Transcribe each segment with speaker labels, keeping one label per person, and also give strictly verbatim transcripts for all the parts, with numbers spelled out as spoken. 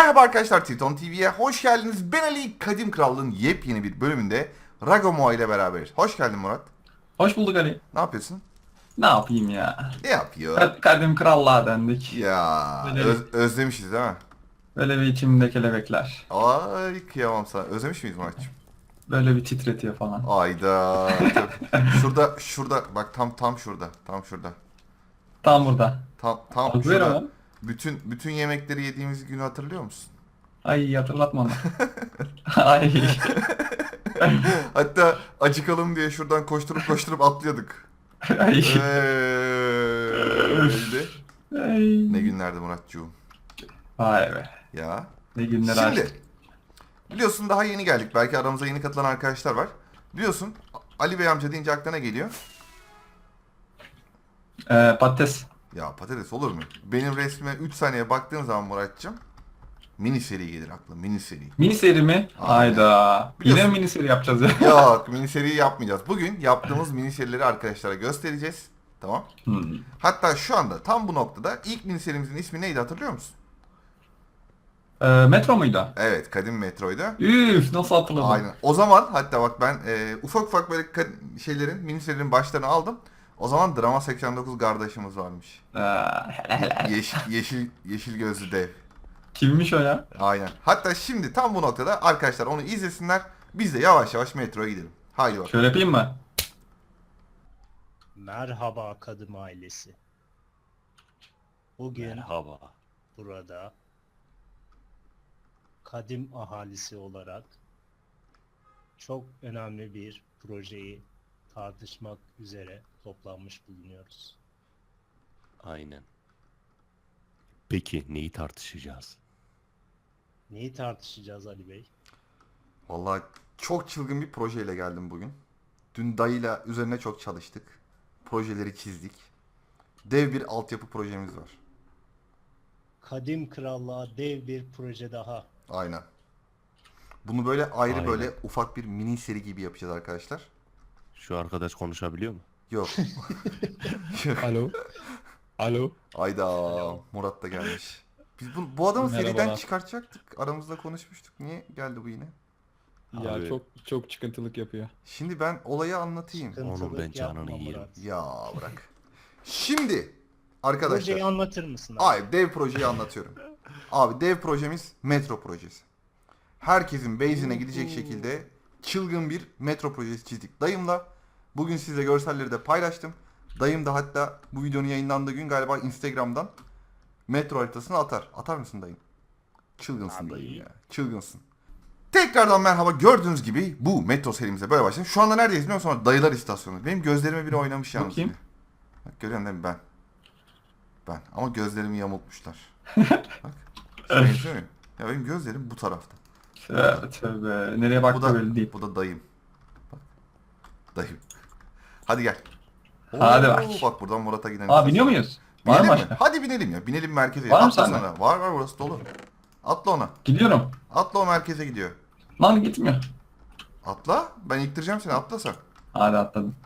Speaker 1: Merhaba arkadaşlar, Triton T V'ye hoş geldiniz. Ben Ali, Kadim Krallığın yepyeni bir bölümünde Ragomoa ile beraberiz. Hoş geldin Murat.
Speaker 2: Hoş bulduk Ali.
Speaker 1: Ne yapıyorsun?
Speaker 2: Ne yapayım ya?
Speaker 1: Ne yapıyor?
Speaker 2: Ka- Kadim krallığa döndük.
Speaker 1: Ya
Speaker 2: Böyle,
Speaker 1: öz- özlemişiz değil mi?
Speaker 2: böyle bir içimde kelebekler.
Speaker 1: Ay kıyamam sana. Özlemiş miyiz Murat'cığım?
Speaker 2: Böyle bir titretiyor falan.
Speaker 1: Ayda. Tabii. Şurada, şurada. Bak tam tam şurada. Tam şurada.
Speaker 2: Tam burada.
Speaker 1: Tam tam
Speaker 2: Al buyur
Speaker 1: şurada.
Speaker 2: ama.
Speaker 1: Bütün bütün yemekleri yediğimiz günü hatırlıyor musun?
Speaker 2: Ay hatırlatma onu. Ay.
Speaker 1: Hatta acıkalım diye şuradan koşturup koşturup atlıyorduk.
Speaker 2: Ay.
Speaker 1: Öyleydi.
Speaker 2: Ay.
Speaker 1: Ne günlerdi Muratcığım.
Speaker 2: Vay be.
Speaker 1: Ya.
Speaker 2: Ne günler
Speaker 1: Şimdi
Speaker 2: açtık.
Speaker 1: biliyorsun daha yeni geldik. Belki aramıza yeni katılan arkadaşlar var. Biliyorsun Ali Bey amca deyince aklına geliyor.
Speaker 2: Ee, patates.
Speaker 1: Ya patates olur mu? Benim resmime üç saniye baktığın zaman Muratcığım mini seri gelir aklıma. Mini seri.
Speaker 2: Mini seri mi? Hayda. Yine
Speaker 1: Biliyorsun.
Speaker 2: mi mini seri yapacağız ya?
Speaker 1: Yok, mini seriyi yapmayacağız. Bugün yaptığımız mini serileri arkadaşlara göstereceğiz. Tamam.
Speaker 2: Hmm.
Speaker 1: Hatta şu anda tam bu noktada ilk mini serimizin ismi neydi hatırlıyor musun?
Speaker 2: Ee, metro muydu?
Speaker 1: Evet, Kadim Metro'ydu.
Speaker 2: Üf nasıl hatırladım?
Speaker 1: Aynen. O zaman hatta bak ben e, ufak ufak böyle ka- şeylerin, mini serilerin başlarını aldım. O zaman Drama seksen dokuz kardeşimiz varmış.
Speaker 2: Ee, hele hele.
Speaker 1: Yeşil, yeşil, yeşil gözlü dev.
Speaker 2: Kimmiş o ya?
Speaker 1: Aynen. Hatta şimdi tam bu noktada arkadaşlar onu izlesinler. Biz de yavaş yavaş metroya gidelim. Haydi bakalım.
Speaker 2: Şöyle yapayım mı?
Speaker 3: Merhaba Kadim ailesi. Bugün
Speaker 4: Merhaba.
Speaker 3: burada Kadim ahalisi olarak çok önemli bir projeyi tartışmak üzere toplanmış bulunuyoruz.
Speaker 4: Aynen. Peki neyi tartışacağız?
Speaker 3: Neyi tartışacağız Ali Bey?
Speaker 1: Vallahi çok çılgın bir projeyle geldim bugün. Dün dayıyla üzerine çok çalıştık. Projeleri çizdik. Dev bir altyapı projemiz var.
Speaker 3: Kadim Krallığa dev bir proje daha.
Speaker 1: Aynen. Bunu böyle ayrı
Speaker 4: Aynen.
Speaker 1: böyle ufak bir mini seri gibi yapacağız arkadaşlar.
Speaker 4: Şu arkadaş konuşabiliyor mu?
Speaker 1: Yok.
Speaker 5: Alo. Alo.
Speaker 1: Ayda Murat da gelmiş. Biz bu, bu adamı seriden
Speaker 5: Merhabalar.
Speaker 1: çıkartacaktık. Aramızda konuşmuştuk. Niye geldi bu yine?
Speaker 5: Ya
Speaker 4: Abi.
Speaker 5: çok çok çıkıntılık yapıyor.
Speaker 1: Şimdi ben olayı anlatayım.
Speaker 3: Sıkıntılık
Speaker 4: Onun ben canını
Speaker 3: yapma
Speaker 4: yerim.
Speaker 3: Murat.
Speaker 1: Ya bırak. Şimdi arkadaşlar.
Speaker 3: Projeyi anlatır mısın abi?
Speaker 1: Ay dev projeyi anlatıyorum. Abi dev projemiz metro projesi. Herkesin base'ine gidecek şekilde çılgın bir metro projesi çizdik dayımla. Bugün size görselleri de paylaştım. Dayım da hatta bu videonun yayınlandığı gün galiba Instagram'dan metro haritasını atar. Atar mısın dayım? Çılgınsın
Speaker 3: Abi.
Speaker 1: dayım ya. Çılgınsın. Tekrardan merhaba. Gördüğünüz gibi bu metro serimize böyle başladık. Şu anda neredeyiz biliyor musun? Sonra Dayılar istasyonu. Benim gözlerime biri oynamış yalnız.
Speaker 2: Bakayım.
Speaker 1: yine. Bak görüyorsun değil mi ben? Ben. Ama gözlerimi yamultmuşlar. Bak. Benziyor muyum? Ya benim gözlerim bu tarafta.
Speaker 2: Tövbe tövbe. Nereye
Speaker 1: Bu
Speaker 2: baktı
Speaker 1: da,
Speaker 2: belli değil.
Speaker 1: bu da dayım. Bak. Dayım. Hadi gel.
Speaker 2: Hadi
Speaker 1: Oo,
Speaker 2: bak.
Speaker 1: Bak buradan Murat'a giden.
Speaker 2: Aa biniyor muyuz? Var
Speaker 1: Binelim
Speaker 2: mı
Speaker 1: mi?
Speaker 2: başka?
Speaker 1: Hadi binelim ya. Binelim merkeze.
Speaker 2: Var mı
Speaker 1: Atla
Speaker 2: sende?
Speaker 1: sana. Var var burası dolu. Atla ona.
Speaker 2: Gidiyorum.
Speaker 1: Atla o merkeze gidiyor.
Speaker 2: Lan gitmiyor.
Speaker 1: Atla. Ben iktireceğim seni. Atla sen.
Speaker 2: Hadi atladım.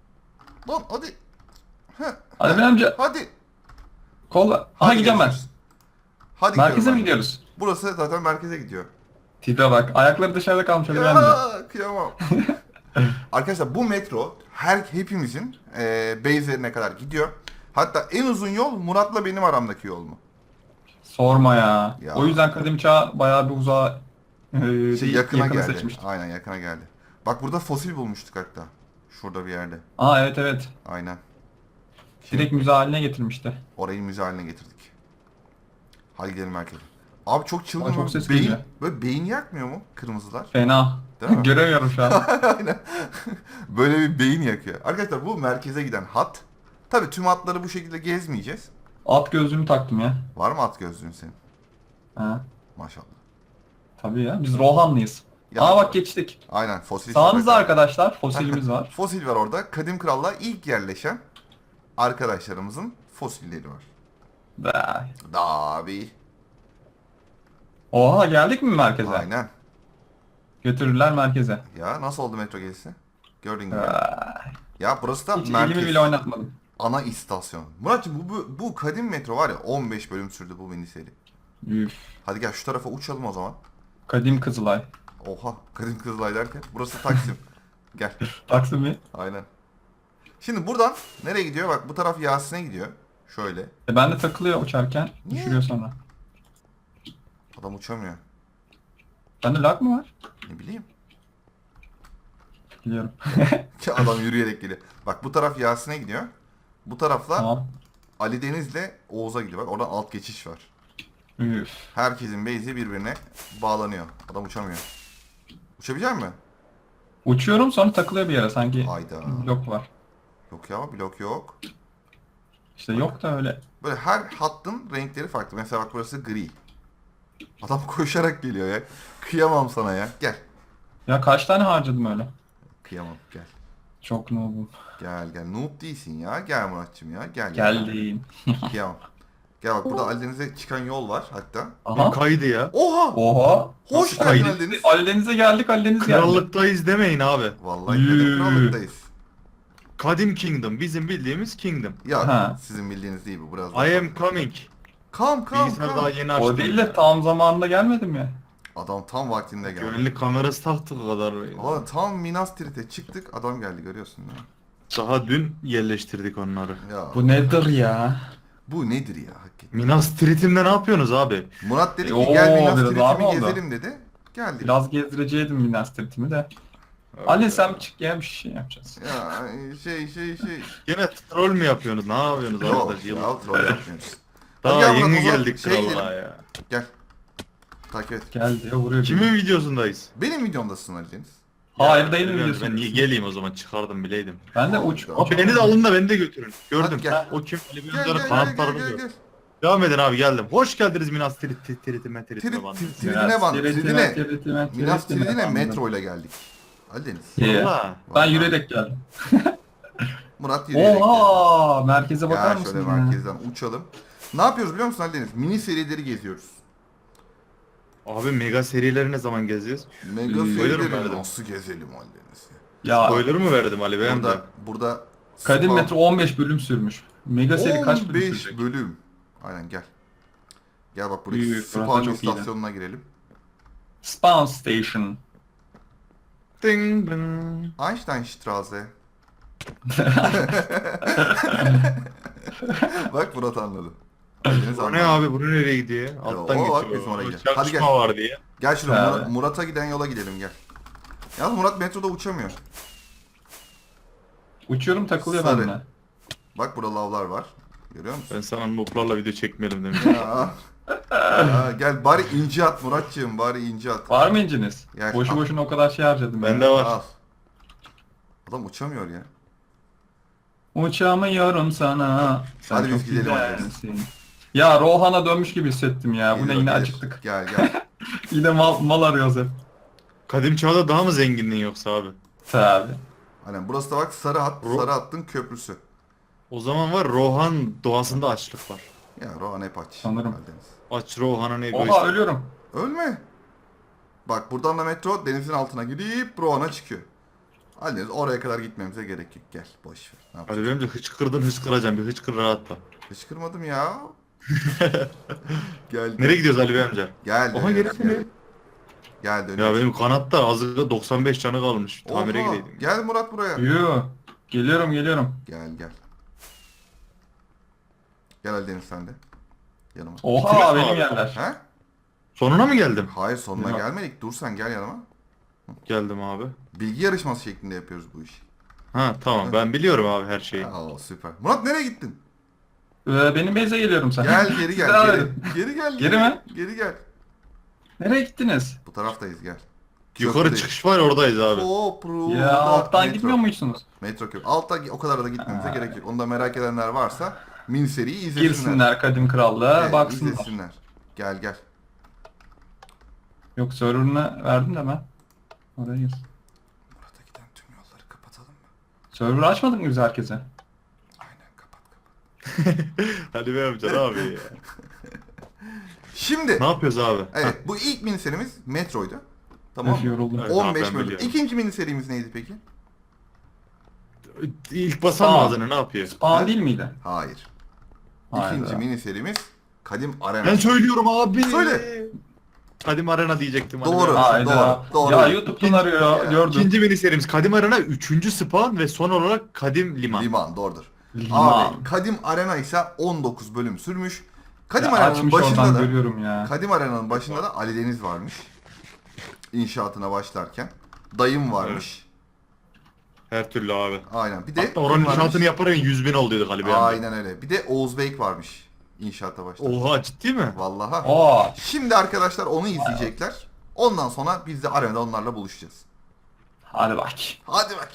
Speaker 1: Lan hadi. Heh,
Speaker 2: Hadi ben amca.
Speaker 1: hadi.
Speaker 2: Kolla. Aha
Speaker 1: Hadi
Speaker 2: gideceğim ben.
Speaker 1: görüşürüz. Hadi
Speaker 2: Merkeze
Speaker 1: gidiyorum
Speaker 2: mi
Speaker 1: ben.
Speaker 2: gidiyoruz?
Speaker 1: Burası zaten merkeze gidiyor.
Speaker 2: Tipe bak. Ayakları dışarıda kalmış Ali amca.
Speaker 1: Ya kıyamam. Arkadaşlar bu metro her hepimizin e, base'lerine kadar gidiyor. Hatta en uzun yol Murat'la benim aramdaki yol mu?
Speaker 2: Sorma ya.
Speaker 1: Ya.
Speaker 2: O yüzden kadim çağ bayağı bir uzağa e,
Speaker 1: Şey,
Speaker 2: değil,
Speaker 1: yakına
Speaker 2: yakını
Speaker 1: geldi.
Speaker 2: seçmiştik.
Speaker 1: Aynen yakına geldi. Bak burada fosil bulmuştuk hatta. Şurada bir yerde.
Speaker 2: Aa evet evet.
Speaker 1: Aynen. Şimdi
Speaker 2: Direkt müze haline getirmişti.
Speaker 1: orayı müze haline getirdik. Hadi gidelim merkeze. Abi çok çılgın.
Speaker 2: Aa, çok
Speaker 1: mı?
Speaker 2: ses
Speaker 1: beyin,
Speaker 2: geliyor.
Speaker 1: böyle beyin yakmıyor mu kırmızılar?
Speaker 2: Fena.
Speaker 1: Değil mi?
Speaker 2: Göremiyorum şu an.
Speaker 1: Aynen. Böyle bir beyin yakıyor. Arkadaşlar bu merkeze giden hat. Tabii tüm hatları bu şekilde gezmeyeceğiz.
Speaker 2: At gözlüğümü taktım ya.
Speaker 1: Var mı at gözlüğün senin?
Speaker 2: Ha.
Speaker 1: Maşallah.
Speaker 2: Tabii ya. Biz Rohanlıyız.
Speaker 1: Ya-
Speaker 2: Aa bak geçtik.
Speaker 1: Aynen fosil.
Speaker 2: Sağımızda
Speaker 1: sepet.
Speaker 2: arkadaşlar fosilimiz var.
Speaker 1: Fosil var orada. Kadim Krallığa ilk yerleşen arkadaşlarımızın fosilleri var.
Speaker 2: Be.
Speaker 1: Da abi.
Speaker 2: Oha geldik mi merkeze?
Speaker 1: Aynen.
Speaker 2: Götürürler merkeze.
Speaker 1: Ya nasıl oldu metro gezisi? Gördün gibi.
Speaker 2: Be.
Speaker 1: Ya burası da
Speaker 2: Hiç
Speaker 1: merkez.
Speaker 2: elimi bile oynatmadım.
Speaker 1: Ana istasyon. Muratcığım bu, bu, bu kadim metro var ya on beş bölüm sürdü bu mini seri.
Speaker 2: Üf.
Speaker 1: Hadi gel şu tarafa uçalım o zaman.
Speaker 2: Kadim Kızılay.
Speaker 1: Oha, Kadim Kızılay derken burası Taksim. Gel.
Speaker 2: Taksim mi?
Speaker 1: Aynen. Şimdi buradan nereye gidiyor? Bak bu taraf Yasin'e gidiyor. Şöyle.
Speaker 2: E ben de takılıyor uçarken.
Speaker 1: Niye?
Speaker 2: Düşürüyor sonra.
Speaker 1: Adam uçamıyor.
Speaker 2: Bende lag mı var?
Speaker 1: Ne bileyim.
Speaker 2: Biliyorum.
Speaker 1: Adam yürüyerek geliyor. Bak bu taraf Yasin'e gidiyor. Bu tarafla
Speaker 2: Tamam.
Speaker 1: Ali Deniz'le Oğuz'a gidiyor. Bak oradan alt geçiş var.
Speaker 2: Üf.
Speaker 1: Herkesin base'i birbirine bağlanıyor. Adam uçamıyor. Uçabilecek mi?
Speaker 2: Uçuyorum sonra takılıyor bir yere sanki.
Speaker 1: Hayda.
Speaker 2: Blok var.
Speaker 1: Yok ya, blok yok.
Speaker 2: İşte yok da öyle.
Speaker 1: Böyle her hattın renkleri farklı. Mesela bak burası gri. Adam koşarak geliyor ya. Kıyamam sana ya. Gel.
Speaker 2: Ya kaç tane harcadım öyle?
Speaker 1: Kıyamam gel.
Speaker 2: Çok noobum.
Speaker 1: Gel gel. Noob değilsin ya. Gel Muratçım ya. Gel.
Speaker 2: Geldim.
Speaker 1: Kıyamam. Gel bak burada Ali Deniz'e çıkan yol var hatta.
Speaker 2: Aha.
Speaker 6: Kaydı ya.
Speaker 1: Oha!
Speaker 2: Oha.
Speaker 1: Hoş
Speaker 6: Nasıl
Speaker 1: geldin
Speaker 6: kaydı?
Speaker 1: Ali Deniz.
Speaker 2: Ali Deniz'e geldik, Ali Deniz geldi.
Speaker 6: Krallıktayız demeyin abi.
Speaker 1: Vallahi
Speaker 2: Yürü.
Speaker 1: Kadim Krallık'tayız.
Speaker 6: Kadim Kingdom. Bizim bildiğimiz Kingdom.
Speaker 1: Ya
Speaker 2: Ha.
Speaker 1: sizin bildiğiniz değil bu biraz.
Speaker 6: I am coming.
Speaker 1: Kam kam
Speaker 6: Bilgisayar
Speaker 1: kam.
Speaker 6: daha yeni açtım.
Speaker 2: O değil de tam zamanında gelmedim ya.
Speaker 1: Adam tam vaktinde geldi.
Speaker 6: Güvenlik kamerası taktık o kadar.
Speaker 1: Valla tam Minas Tirith'e çıktık, adam geldi görüyorsun değil mi?
Speaker 6: Daha dün yerleştirdik onları.
Speaker 1: Ya bu,
Speaker 2: Bu nedir ya?
Speaker 1: nedir ya hakikaten?
Speaker 6: Minas Tirith'imde ne yapıyorsunuz abi?
Speaker 1: Murat dedi ki
Speaker 2: Oo,
Speaker 1: gel Minas
Speaker 2: biraz ağır mı
Speaker 1: Tirith'imi
Speaker 2: oldu?
Speaker 1: gezelim dedi. Geldik.
Speaker 2: Biraz gezdireceydim Minas Tirith'imi de. Ali sen çık ya bir şey yapacağız.
Speaker 1: Ya şey şey şey.
Speaker 6: Yine troll mü yapıyorsunuz? Ne yapıyorsunuz
Speaker 1: Yok
Speaker 6: arkadaş?
Speaker 1: ya
Speaker 6: Yıl-
Speaker 1: troll yapmıyoruz.
Speaker 6: Daha
Speaker 1: Hadi gel
Speaker 6: yeni
Speaker 1: Murat, o zaman
Speaker 6: geldik
Speaker 1: şey
Speaker 6: krallığa
Speaker 1: gidelim.
Speaker 6: ya.
Speaker 1: Gel. Takip et.
Speaker 2: Gel diye vuruyor.
Speaker 6: Kimin videosundayız?
Speaker 1: Benim videomdasın Ali Deniz.
Speaker 2: Hayır değilim
Speaker 6: Ben,
Speaker 2: diyorsun.
Speaker 6: ben niye geleyim o zaman çıkardım bileydim.
Speaker 2: Ben de uç.
Speaker 1: Abi
Speaker 6: Abi beni de alın da beni de götürün. Gördüm.
Speaker 1: Hadi gel.
Speaker 6: Ha, o kim? Ali
Speaker 1: Gel gel
Speaker 6: Bey'in
Speaker 1: gel gel
Speaker 6: kanatlarını
Speaker 1: gel.
Speaker 6: gör.
Speaker 1: gel.
Speaker 6: Devam edin abi geldim. Hoş geldiniz Minas Tirith Tirith Tirith'ime Tirith'ime
Speaker 1: Tirit
Speaker 6: bandı.
Speaker 1: tir- Tiridine ban. Tiridine. Minas Tirith'ine metro ile geldik. Ali Deniz.
Speaker 2: İyi.
Speaker 6: Valla.
Speaker 2: Ben yürüyerek geldim.
Speaker 1: Murat yürüyerek geldi.
Speaker 2: Oha! Merkeze bakar
Speaker 1: Gel
Speaker 2: mısın?
Speaker 1: şöyle
Speaker 2: ya?
Speaker 1: merkezden uçalım. Ne yapıyoruz biliyor musun Ali Deniz? Mini serileri geziyoruz.
Speaker 6: Abi mega serileri ne zaman gezeceğiz?
Speaker 1: Mega
Speaker 6: Spoiler mı
Speaker 1: serileri
Speaker 6: verdim?
Speaker 1: nasıl gezelim Ali Deniz?
Speaker 2: Ya
Speaker 6: Spoiler mı verdim Ali Bey'im de?
Speaker 1: Burada, burada
Speaker 2: Kadim
Speaker 1: Spawn-
Speaker 2: Metro on beş bölüm sürmüş. Mega seri kaç bölüm
Speaker 1: on beş
Speaker 2: sürecek?
Speaker 1: bölüm. Aynen gel. Gel bak buradaki
Speaker 2: Büyük, burası
Speaker 1: Spawn
Speaker 2: çok iyi.
Speaker 1: istasyonuna girelim.
Speaker 2: Spawn Station.
Speaker 6: Ding ding.
Speaker 1: Einsteinstraße. Bak Murat anladı. Deniz
Speaker 6: Bu
Speaker 1: anladı.
Speaker 6: ne abi? Bunu nereye gidiyor? Alttan
Speaker 1: o bak,
Speaker 6: geçiyor.
Speaker 1: biz oraya gidiyoruz.
Speaker 6: Çakışma
Speaker 1: Hadi gel.
Speaker 6: var diye.
Speaker 1: Gel şuraya
Speaker 2: Ha.
Speaker 1: Murat- Murat'a giden yola gidelim gel. Yalnız Murat metroda uçamıyor.
Speaker 2: Uçuyorum takılıyor
Speaker 1: Sarı.
Speaker 2: benimle.
Speaker 1: Bak burada lavlar var. Görüyor musun?
Speaker 6: Ben sana noplarla video çekmeyelim demiş.
Speaker 1: Ya. Ya, gel bari inci at Muratçığım, bari inci at.
Speaker 2: Var mı inciniz?
Speaker 1: Gel,
Speaker 2: Boşu
Speaker 1: al.
Speaker 2: boşuna o kadar şey harcadım.
Speaker 6: Bende
Speaker 2: ya.
Speaker 6: var.
Speaker 1: Al. Adam uçamıyor ya.
Speaker 2: Uçamıyorum sana. Sen
Speaker 1: Hadi biz
Speaker 2: çok
Speaker 1: gidelim hadi.
Speaker 2: güzelsin. Ya Rohan'a dönmüş gibi hissettim ya. Bu ne
Speaker 1: Gelir,
Speaker 2: yine
Speaker 1: gelir.
Speaker 2: acıktık.
Speaker 1: Gel gel.
Speaker 2: Yine mal, mal arıyoruz hep.
Speaker 6: Kadim çağda daha mı zenginliğin yoksa abi?
Speaker 2: Tabi.
Speaker 1: Aynen burası da bak sarı hat,
Speaker 6: Ro-
Speaker 1: sarı hattın köprüsü.
Speaker 6: O zaman var Rohan doğasında açlık var.
Speaker 1: Ya Rohan hep aç.
Speaker 2: Sanırım.
Speaker 1: Karadeniz.
Speaker 6: Aç Rohan'ın egoist.
Speaker 2: Oha ölüyorum.
Speaker 1: Ölme. Bak buradan da metro denizin altına gidip Rohan'a çıkıyor. Haliniz oraya kadar gitmemize gerek yok. Gel boş ver. Ne
Speaker 6: Hadi
Speaker 1: yapacağız?
Speaker 6: benim de hıçkırdın hıçkıracağım bir hıçkır rahatla.
Speaker 1: Hıçkırmadım ya. Gel.
Speaker 6: Nereye gidiyoruz Ali Bey amca?
Speaker 1: Gel.
Speaker 6: Oha,
Speaker 1: dönüyoruz,
Speaker 6: geri
Speaker 1: gel. Gel dönüyoruz.
Speaker 6: Ya benim kanatta azıcık doksan beş canı kalmış. Tamire
Speaker 1: Oha,
Speaker 6: gideydim.
Speaker 1: Gel Murat buraya.
Speaker 2: Yoo. Geliyorum geliyorum.
Speaker 1: Gel gel. Gel Ali Deniz sen de. Yanıma.
Speaker 2: Oha
Speaker 6: Bitiririz mi
Speaker 2: benim
Speaker 6: abi?
Speaker 2: yerler.
Speaker 1: He?
Speaker 6: Sonuna mı geldim?
Speaker 1: Hayır sonuna
Speaker 2: Yok.
Speaker 1: gelmedik. Dur sen gel yanıma.
Speaker 6: Geldim abi.
Speaker 1: Bilgi yarışması şeklinde yapıyoruz bu işi.
Speaker 6: Ha tamam ben biliyorum abi her şeyi.
Speaker 1: Aa süper. Murat nereye gittin?
Speaker 2: Ee, benim base'e geliyorum sen.
Speaker 1: Gel geri gel.
Speaker 2: Devam
Speaker 1: geri,
Speaker 2: edin.
Speaker 1: geri gel.
Speaker 2: Geri mi?
Speaker 1: Geri gel.
Speaker 2: Nereye gittiniz?
Speaker 1: Bu taraftayız gel.
Speaker 6: Yukarı
Speaker 1: Köprüdeyiz.
Speaker 6: çıkış var oradayız abi.
Speaker 1: Kopru.
Speaker 2: Ya alttan gitmiyor muydunuz?
Speaker 1: Metro köprü. Altta o kadar da gitmemize gerek yok. Onu da merak edenler varsa mini seriyi izlesinler.
Speaker 2: Girsinler Kadim Krallığa
Speaker 1: Evet,
Speaker 2: baksınlar.
Speaker 1: izlesinler. Gel gel.
Speaker 2: Yok server'ını verdim de ben. Oraya gir.
Speaker 1: Murat'a giden tüm yolları kapatalım mı?
Speaker 2: Server açmadık mı biz herkese?
Speaker 1: Aynen kapat kapat.
Speaker 6: Hadi be amca ne abi ya.
Speaker 1: Şimdi
Speaker 6: Ne yapıyoruz abi?
Speaker 1: evet bu ilk mini serimiz Metro'ydu. Tamam
Speaker 2: Öf
Speaker 1: mı?
Speaker 2: yoruldum.
Speaker 6: Evet.
Speaker 1: on beş
Speaker 6: ben
Speaker 1: bölüm.
Speaker 6: biliyorum.
Speaker 1: İkinci mini serimiz neydi peki?
Speaker 6: İlk basan
Speaker 2: Aa.
Speaker 6: mağazını ne yapıyor?
Speaker 2: Spawn değil miydi?
Speaker 1: Hayır.
Speaker 2: Hayda.
Speaker 1: İkinci mini serimiz Kadim Arena.
Speaker 6: Ben söylüyorum abi.
Speaker 1: Söyle.
Speaker 6: Kadim Arena diyecektim. hadi
Speaker 1: Doğru.
Speaker 6: ben.
Speaker 2: Hayda.
Speaker 1: doğru.
Speaker 2: Ya YouTube'dan arıyor ya. Gördüm.
Speaker 6: İkinci mini serimiz Kadim Arena, üçüncü spawn ve son olarak Kadim Liman.
Speaker 1: Liman doğrudur.
Speaker 2: Liman.
Speaker 1: Abi Kadim Arena ise on dokuz bölüm sürmüş. Kadim
Speaker 2: Ya
Speaker 1: Arena'nın
Speaker 2: açmış
Speaker 1: başında
Speaker 2: oradan
Speaker 1: da
Speaker 2: görüyorum ya.
Speaker 1: Kadim Arena'nın başında da Ali Deniz varmış. İnşaatına başlarken. Dayım varmış.
Speaker 6: Her türlü abi.
Speaker 1: Aynen. Bir de
Speaker 6: Hatta oranın
Speaker 1: kim varmış?
Speaker 6: inşaatını yaparken yüz bin oluyordu galiba. yani.
Speaker 1: Aynen öyle. Bir de Oğuz Beyk varmış. İnşaata başlarken.
Speaker 6: Oha, ciddi mi?
Speaker 1: Vallahi.
Speaker 2: Aa.
Speaker 1: Şimdi arkadaşlar onu izleyecekler. Ondan sonra biz de arenada onlarla buluşacağız.
Speaker 2: Hadi bak.
Speaker 1: Hadi bak.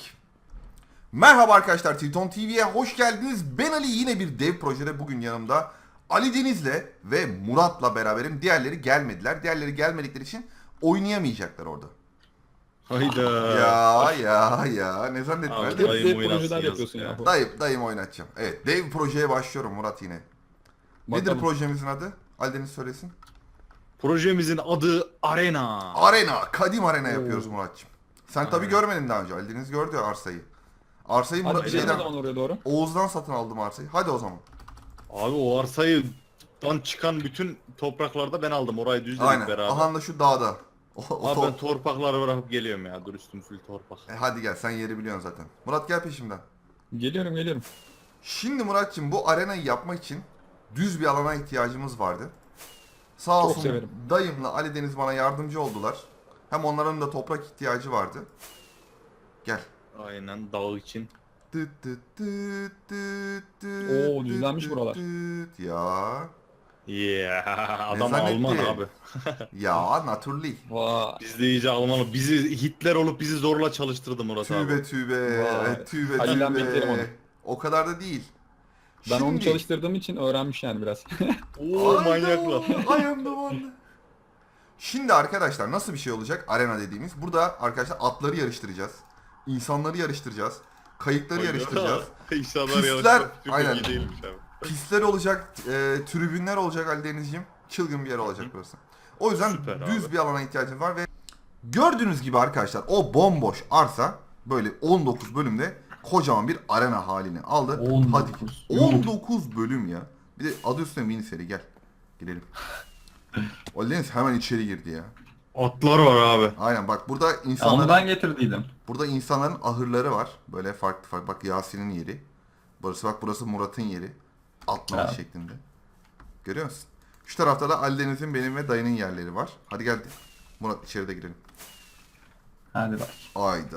Speaker 1: Merhaba arkadaşlar, Triton T V'ye hoş geldiniz. Ben Ali, yine bir dev projede bugün yanımda Ali Deniz'le ve Murat'la beraberim. Diğerleri gelmediler. Diğerleri gelmedikleri için oynayamayacaklar orada.
Speaker 6: Hayda.
Speaker 1: Ya ya ya ne zannettin?
Speaker 6: Abi,
Speaker 1: Hadi.
Speaker 6: dayı- Dayım
Speaker 5: Hep
Speaker 6: oynatsın
Speaker 5: projeler
Speaker 6: yazık
Speaker 5: yapıyorsun
Speaker 6: ya.
Speaker 5: ya.
Speaker 1: Dayım, dayım oynatacağım. Evet, dev projeye başlıyorum Murat yine. Nedir
Speaker 5: Bakalım.
Speaker 1: projemizin adı? Ali Deniz söylesin.
Speaker 6: Projemizin adı Arena.
Speaker 1: Arena, Kadim Arena yapıyoruz
Speaker 5: Oo.
Speaker 1: Murat'cığım. Sen tabii görmedin daha önce. Ali Deniz gördü ya arsayı. Arsayı Murat
Speaker 5: Hadi gidelim o
Speaker 1: şeyden,
Speaker 5: zaman oraya doğru.
Speaker 1: Oğuz'dan satın aldım arsayı. Hadi o zaman.
Speaker 6: Abi o arsayıdan çıkan bütün topraklarda ben aldım. Orayı düzledik
Speaker 1: Aynen.
Speaker 6: beraber.
Speaker 1: Aha da şu dağda. O, o
Speaker 6: Abi
Speaker 1: top-
Speaker 6: ben torpakları bırakıp geliyorum ya. Dur, üstüm full torpak.
Speaker 1: E hadi gel, sen yeri biliyorsun zaten. Murat gel peşimden.
Speaker 5: Geliyorum geliyorum.
Speaker 1: Şimdi Murat'cığım bu arenayı yapmak için düz bir alana ihtiyacımız vardı. Sağ
Speaker 5: Çok
Speaker 1: olsun
Speaker 5: severim.
Speaker 1: dayımla Ali Deniz bana yardımcı oldular. Hem onların da toprak ihtiyacı vardı. Gel.
Speaker 6: Aynen, dağ için.
Speaker 1: Tıt tıt tıt tıt tıt
Speaker 5: Oo,
Speaker 1: tıt
Speaker 5: düzlenmiş
Speaker 1: tıt
Speaker 5: buralar.
Speaker 1: tıt. Ya.
Speaker 6: Yeah, adam
Speaker 1: zannetti?
Speaker 6: Alman abi.
Speaker 1: Ya naturally.
Speaker 5: Vay.
Speaker 6: Biz de iyice Alman. Bizi Hitler olup bizi zorla çalıştırdı Murat abi.
Speaker 1: Tübe tübe.
Speaker 5: Vay.
Speaker 1: Tübe
Speaker 5: Halil'den beklerim onu.
Speaker 1: tübe. O kadar da değil.
Speaker 5: Ben onu
Speaker 1: Şimdi-
Speaker 5: çalıştırdığım için öğrenmiş yani biraz.
Speaker 6: Oo, manyaklar.
Speaker 1: I am the one. Şimdi arkadaşlar nasıl bir şey olacak arena dediğimiz? Burada arkadaşlar atları yarıştıracağız. İnsanları yarıştıracağız. Kayıkları yarıştıracağız.
Speaker 6: İnşallah
Speaker 1: Pistler-
Speaker 6: yarışmak çok
Speaker 1: aynen.
Speaker 6: iyi değilmiş abi.
Speaker 1: Pistler olacak, e, tribünler olacak Ali Denizciğim. Çılgın bir yer olacak burası. O yüzden
Speaker 6: Süper
Speaker 1: düz
Speaker 6: abi.
Speaker 1: bir alana ihtiyacımız var ve gördüğünüz gibi arkadaşlar o bomboş arsa böyle on dokuz bölümde kocaman bir arena halini aldı.
Speaker 2: on
Speaker 1: Hadi.
Speaker 2: dokuz.
Speaker 1: on dokuz bölüm ya. Bir de adı üstüne mini seri, gel. Girelim. Ali Deniz hemen içeri girdi ya.
Speaker 6: Atlar var abi.
Speaker 1: Aynen bak burada
Speaker 2: Ya onu
Speaker 1: insanların
Speaker 2: ben getirdiydim.
Speaker 1: burada insanların ahırları var. Böyle farklı farklı. Bak Yasin'in yeri. Burası bak burası Murat'ın yeri. Atlama
Speaker 2: Evet.
Speaker 1: şeklinde. Görüyor musun? Şu tarafta da Ali Deniz'in, benim ve dayının yerleri var. Hadi gel Murat içeride girelim.
Speaker 2: Hadi bak.
Speaker 1: Ayda.